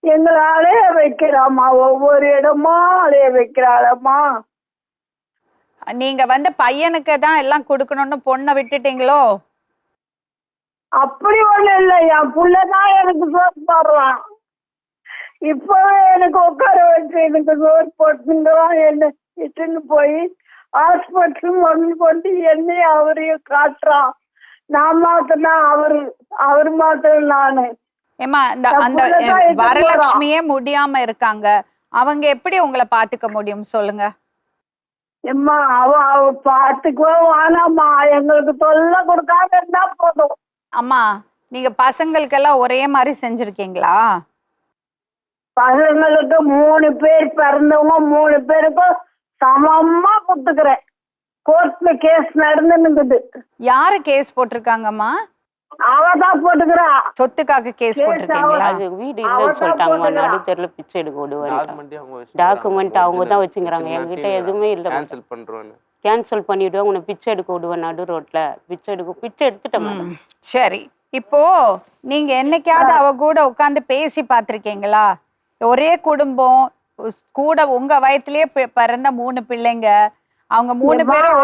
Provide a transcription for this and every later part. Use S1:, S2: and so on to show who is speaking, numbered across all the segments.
S1: எங்களை அலைய வைக்கிறாம்மா, ஒவ்வொரு இடமா அலைய வைக்கிறாளம்மா.
S2: நீங்க வந்து பையனுக்கு தான் எல்லாம் கொடுக்கணும்னு பொண்ணை விட்டுட்டீங்களோ?
S1: அப்படி ஒண்ணு இல்லை, என் புள்ளதான் எனக்கு சோறு போடுறான். இப்பவே எனக்கு உட்கார வச்சு எனக்கு சோறு போட்டுங்கிறான். என்ன இட்டுன்னு போய் ஹாஸ்பிட்டல் ஒன்று கொண்டு என்னையும் அவரையும் காட்டுறான். நான் மாத்தினா அவரு மாத்திரம் நானு.
S2: ஏமா அந்த வரலட்சுமியே முடியாம இருக்காங்க, அவங்க எப்படி உங்களை பாத்துக்க முடியும் சொல்லுங்க?
S1: எம்மா அவ பாத்துக்கோ வேணாம்மா, எங்களுக்கு தொல்லை கொடுக்காம இருந்தா போதும்.
S2: அம்மா நீங்க பசங்களுக்கெல்லாம் ஒரே மாதிரி செஞ்சிருக்கீங்களா?
S1: பசங்களுக்கு 3 பேர் பிறந்தவங்க 3 பேருக்கும் சமமா கொடுத்துக்கிறேன். கோர்ட்ல கேஸ் நடந்துன்னு.
S2: யாரு கேஸ் போட்டிருக்காங்கம்மா?
S1: அவதான் போட்டுக்கிறா.
S2: சொத்துக்காக கேஸ் போட்டிருக்கீங்களா?
S3: அது வீடு இல்லைன்னு சொல்லிட்டாங்கம்மா, நடுத்தெருல பிச்சை எடுக்க விடுவாங்க. டாக்குமெண்ட் அவங்க தான் வச்சுக்கிறாங்க, என்கிட்ட எதுவுமே இல்லை. கேன்சல் பண்ணிவிடுவாங்க, உன்னை பிச்சை எடுக்க விடுவேன் நடு ரோட்ல. பிச்சை எடுத்துட்டேன்.
S2: சரி, இப்போ நீங்க என்னைக்காவது அவ கூட உட்காந்து பேசி பார்த்திருக்கீங்களா? ஒரே குடும்பம், கூட உங்க வயசுலயே பிறந்த 3 பிள்ளைங்க, அவங்க 3 பேரும்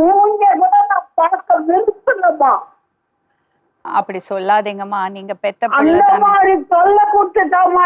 S2: அப்படி சொல்லாதீங்கம்மா, நீங்க பெத்த பிள்ளை தானே.
S1: தொல்லை கொடுத்துட்டாமா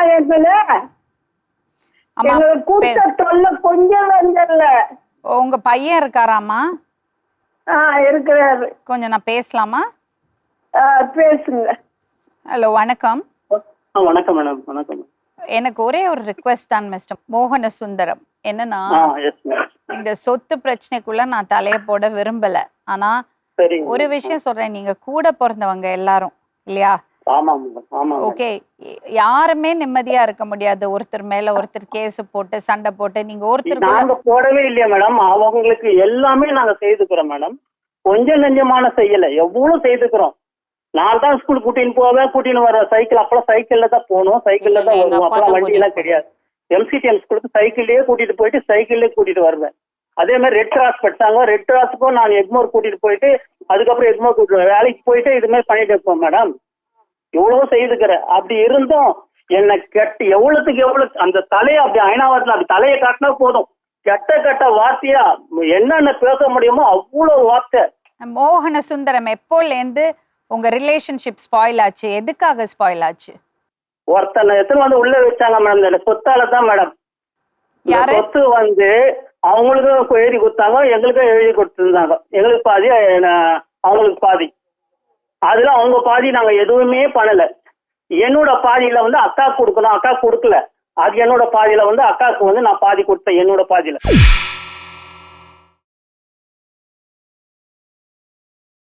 S1: கொஞ்சம்
S2: உங்க பையன் இருக்காராமா?
S1: இருக்கிறாரு.
S2: கொஞ்சம் நான் பேசலாமா?
S1: பேசுங்க.
S2: ஹலோ, வணக்கம்.
S4: வணக்கம் மேடம். வணக்கம்.
S2: எனக்கு ஒரே ஒரு ரிக்வெஸ்ட் தான் மிஸ்டர் மோகன சுந்தரம். என்னன்னா, இந்த சொத்து பிரச்சனைக்குள்ள நான் தலைய போட விரும்பல. ஆனா ஒரு விஷயம் சொல்றேன், நீங்க கூட பிறந்தவங்க எல்லாரும் இல்லையா? ஓகே, யாருமே நிம்மதியா இருக்க முடியாது. ஒருத்தர் மேல ஒருத்தர் கேஸ் போட்டு சண்டை போட்டு நீங்க ஒருத்தர்
S4: போடவே இல்லையா மேடம்? அவங்களுக்கு எல்லாமே நாங்க செய்துக்கிறோம் மேடம். கொஞ்சம் நெஞ்சமான செய்யல, எவ்வளவு செய்துக்கிறோம். நான் தான் ஸ்கூல் கூட்டின்னு போவேன், கூட்டின்னு வர சைக்கிள். அப்பெல்லாம் சைக்கிள்ல தான் போகணும், சைக்கிள்ல தான் வருவோம். அப்பெல்லாம் வண்டி எல்லாம் கிடையாது. MCTM ஸ்கூலுக்கு சைக்கிள்லயே கூட்டிட்டு போயிட்டு சைக்கிள்லயே கூட்டிட்டு வருவேன். அதே மாதிரி ரெட் கிராஸ் பட்டாங்க, ரெட் கிராஸுக்கும் நான் எக்மோர் கூட்டிட்டு போயிட்டு அதுக்கப்புறம் எக்மோர் கூட்டிட்டு வேலைக்கு போயிட்டு இது மாதிரி பண்ணிட்டு இருப்போம் மேடம். எவ்வளவோ செய்துக்கிறேன். அப்படி இருந்தும் என்னை எவ்வளவுக்கு எவ்வளவு அந்த தலையை அப்படி அயனாவரத்துல அப்படி தலையை காட்டினா போதும், கெட்ட வார்த்தையா என்னென்ன பேச முடியுமோ அவ்வளவு வார்த்தை.
S2: மோகன சுந்தரம், எப்போலேருந்து உங்க ரிலேஷன்ஷிப் ஸ்பாயில் ஆச்சு? எதுக்காக ஸ்பாயில் ஆச்சு?
S4: ஒருத்தனை எத்தனை வந்து உள்ள வச்சாங்க மேடம், இந்த சொத்தால தான் மேடம். சொத்து வந்து அவங்களுக்கும் எழுதி கொடுத்தாங்க, எங்களுக்கும் எழுதி கொடுத்துருந்தாங்க. எங்களுக்கு பாதி, அவங்களுக்கு பாதி. அதுல அவங்க பாதி நாங்க எதுவுமே பண்ணல. என்னோட பாதியில வந்து அக்கா கொடுக்கணும், அக்கா கொடுக்கல. அது என்னோட பாதியில வந்து அக்காவுக்கு வந்து நான் பாதி கொடுத்தேன், என்னோட பாதியில.